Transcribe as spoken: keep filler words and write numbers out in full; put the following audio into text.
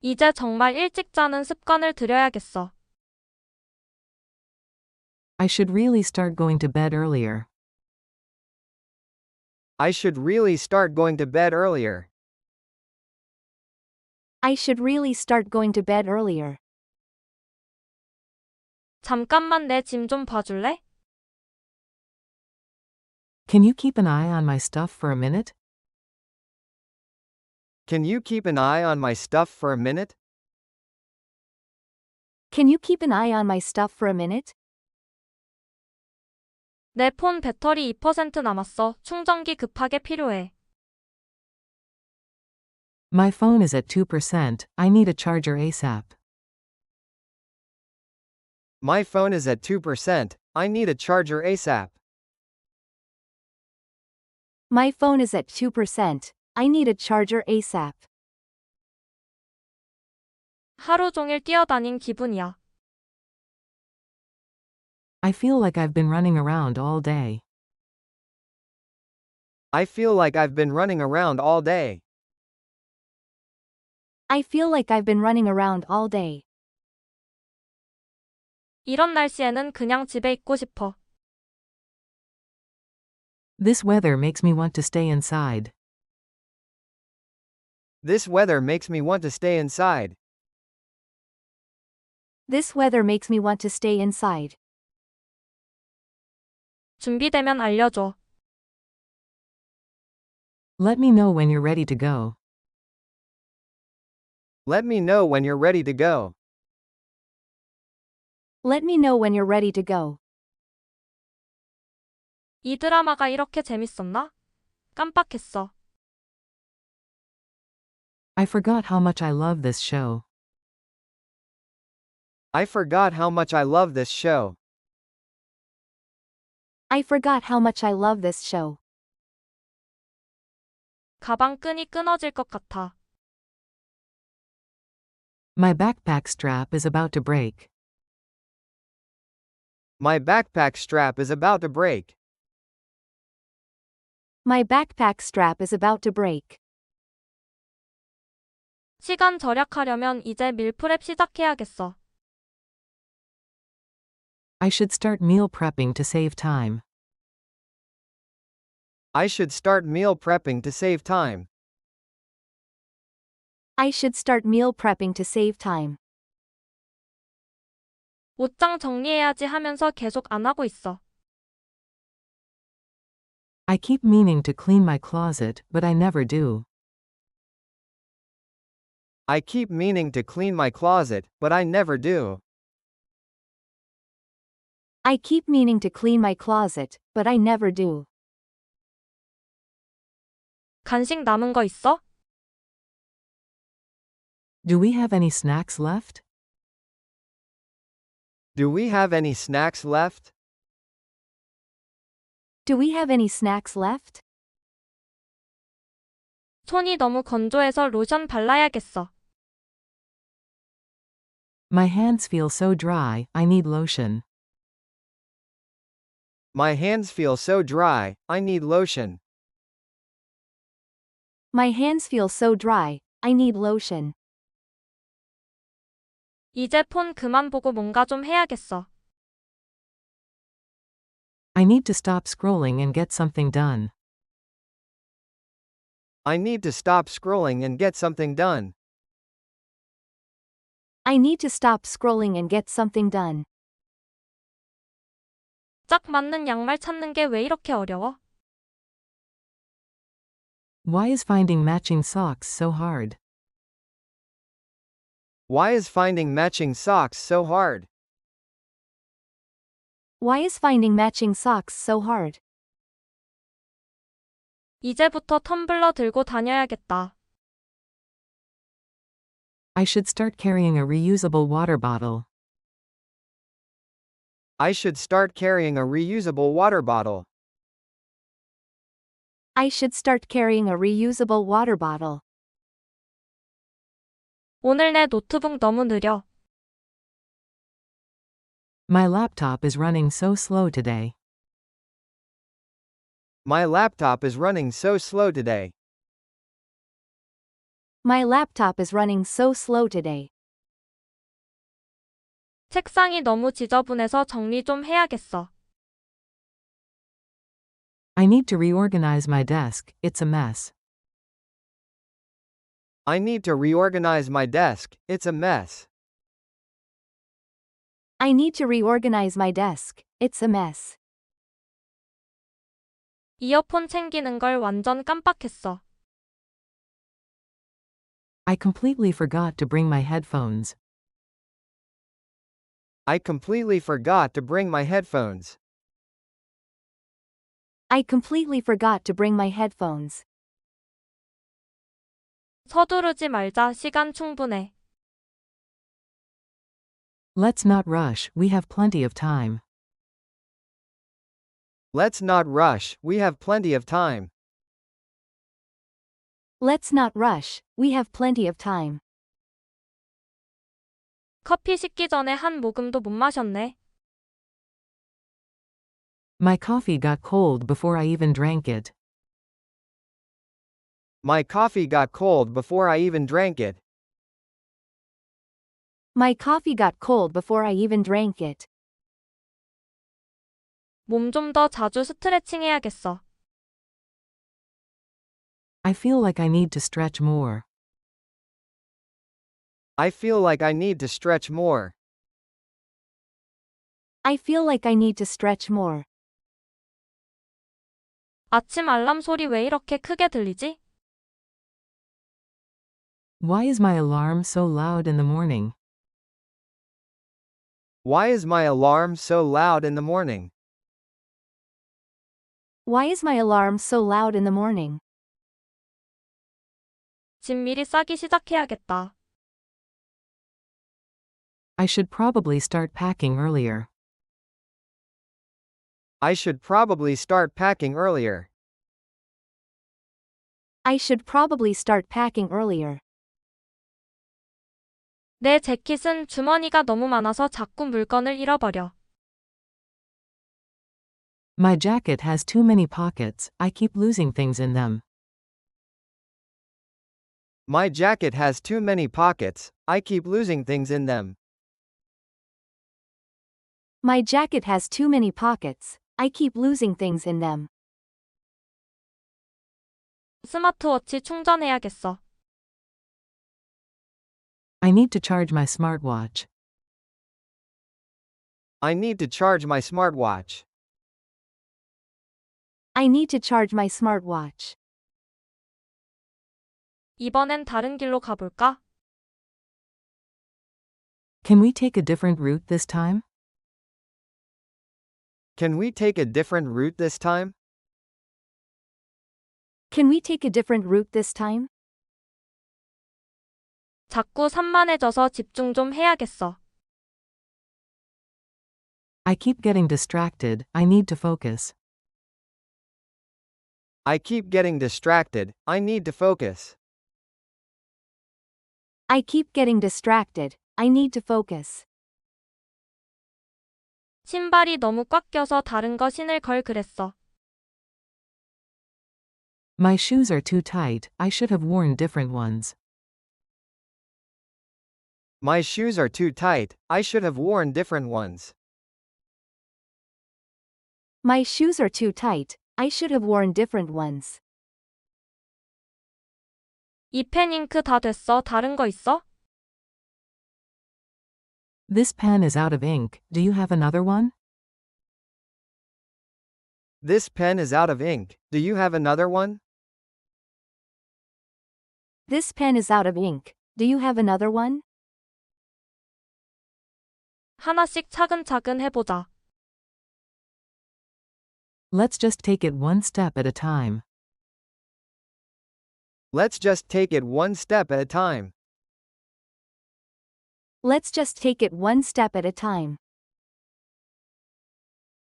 이제 정말 일찍 자는 습관을 들여야겠어. I should really start going to bed earlier. I should really start going to bed earlier. I should really start going to bed earlier. 잠깐만 내 짐 좀 봐줄래? Can you keep an eye on my stuff for a minute? Can you keep an eye on my stuff for a minute? Can you keep an eye on my stuff for a minute? 내 폰 배터리 이 퍼센트 남았어. 충전기 급하게 필요해. My phone is at two percent. I need a charger ASAP. My phone is at two percent. I need a charger ASAP. My phone is at two percent. I need a charger ASAP. 하루 종일 뛰어다닌 기분이야. I feel like I've been running around all day. I feel like I've been running around all day. I feel like I've been running around all day. 이런 날씨에는 그냥 집에 있고 싶어. This weather makes me want to stay inside. This weather makes me want to stay inside. This weather makes me want to stay inside. 준비되면 알려줘. Let me know when you're ready to go. Let me know when you're ready to go. Let me know when you're ready to go. 이 드라마가 이렇게 재밌었나? 깜빡했어. I forgot how much I love this show. I forgot how much I love this show. I forgot how much I love this show. 가방 끈이 끊어질 것 같아. My backpack strap is about to break. My backpack strap is about to break. My backpack strap is about to break. 시간 절약하려면 이제 밀프렙 시작해야겠어. I should start meal prepping to save time. I should start meal prepping to save time. I should start meal prepping to save time. 옷장 정리해야지 하면서 계속 안 하고 있어. I keep meaning to clean my closet, but I never do. I keep meaning to clean my closet, but I never do. I keep meaning to clean my closet, but I never do. 간식 남은 거 있어? Do we have any snacks left? Do we have any snacks left? Do we have any snacks left? 손이 너무 건조해서 로션 발라야겠어. My hands feel so dry, I need lotion. My hands feel so dry, I need lotion. My hands feel so dry, I need lotion. 이제 폰 그만 보고 뭔가 좀 해야겠어. I need to stop scrolling and get something done. I need to stop scrolling and get something done. I need to stop scrolling and get something done. 짝 맞는 양말 찾는 게 왜 이렇게 어려워? Why is finding matching socks so hard? Why is finding matching socks so hard? Why is finding matching socks so hard? 이제부터 텀블러 들고 다녀야겠다. I should start carrying a reusable water bottle. I should start carrying a reusable water bottle. I should start carrying a reusable water bottle. 오늘 내 노트북 너무 느려. My laptop is running so slow today. My laptop is running so slow today. My laptop is running so slow today. 책상이 너무 지저분해서 정리 좀 해야겠어. I need to reorganize my desk, it's a mess. I need to reorganize my desk, it's a mess. I need to reorganize my desk, it's a mess. 이어폰 챙기는 걸 완전 깜빡했어. I completely forgot to bring my headphones. I completely forgot to bring my headphones. I completely forgot to bring my headphones. 서두르지 말자, 시간 충분해. Let's not rush, we have plenty of time. Let's not rush, we have plenty of time. Let's not rush, we have plenty of time. 커피 식기 전에 한 모금도 못 마셨네. My coffee got cold before I even drank it. My coffee got cold before I even drank it. My coffee got cold before I even drank it. 몸 좀 더 자주 스트레칭 해야겠어. I feel like I need to stretch more. I feel like I need to stretch more. I feel like I need to stretch more. 아침 알람 소리 왜 이렇게 크게 들리지? Why is my alarm so loud in the morning? Why is my alarm so loud in the morning? Why is my alarm so loud in the morning? 짐 미리 싸기 시작해야겠다. I should probably start packing earlier. I should probably start packing earlier. I should probably start packing earlier. 내 재킷은 주머니가 너무 많아서 자꾸 물건을 잃어버려. My jacket has too many pockets, I keep losing things in them. My jacket has too many pockets, I keep losing things in them. My jacket has too many pockets, I keep losing things in them. 스마트워치 충전해야겠어. I need to charge my smartwatch. I need to charge my smartwatch. I need to charge my smartwatch. 이번엔 다른 길로 가볼까? Can we take a different route this time? Can we take a different route this time? Can we take a different route this time? 자꾸 산만해져서 집중 좀 해야겠어. I keep getting distracted, I need to focus. I keep getting distracted, I need to focus. I keep getting distracted, I need to focus. 신발이 너무 꽉 껴서 다른 거 신을 걸 그랬어. My shoes are too tight, I should have worn different ones. My shoes are too tight, I should have worn different ones. My shoes are too tight, I should have worn different ones. 이 펜 잉크 다 됐어. 다른 거 있어? This pen is out of ink, do you have another one? This pen is out of ink, do you have another one? This pen is out of ink, do you have another one? 하나씩 차근차근 해보자. Let's just take it one step at a time. Let's just take it one step at a time. Let's just take it one step at a time.